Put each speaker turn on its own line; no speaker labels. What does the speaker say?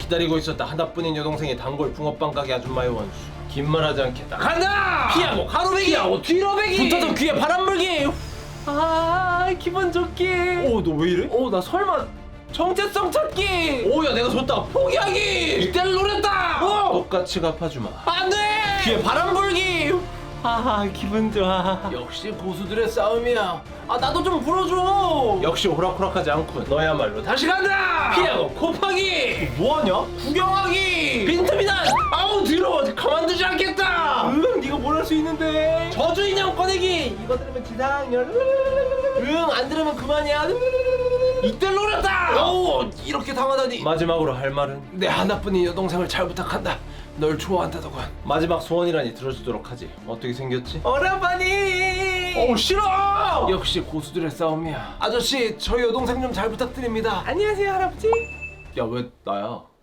기다리고 있었다. 하나뿐인 여동생의 단골 붕어빵 가게 아줌마의 원수. 긴 말하지 않겠다. 간다! 피하고 가로배기! 피하고 뒤로배기! 붙어서 귀에 바람 불기! 아 기분 좋기. 오 너 왜 이래? 오 나 설마 정체성 찾기. 오야 내가 줬다 포기하기. 이때를 노렸다. 똑같이 갚아주마. 안돼. 귀에 바람 불기. 아 기분 좋아. 역시 고수들의 싸움이야. 아 나도 좀 불어줘. 역시 호락호락하지 않군. 너야말로 다시 간다. 피하고 곱하기. 뭐하냐? 구경하기. 빈틈이다. 아우 더러워. 가만두지 않겠다. 네가 뭘 할 수 있는데. 저주 인형 꺼내기. 이거 들으면 지상열. 안 들으면 그만이야. 이때 노렸다. 오 이렇게 당하다니. 마지막으로 할 말은 내 하나뿐인 여동생을 잘 부탁한다. 널 좋아한다더군. 마지막 소원이라니 들어주도록 하지. 어떻게 생겼지? 오라버니. 싫어. 역시 고수들의 싸움이야. 아저씨 저희 여동생 좀 잘 부탁드립니다. 안녕하세요 할아버지. 야 왜 나야?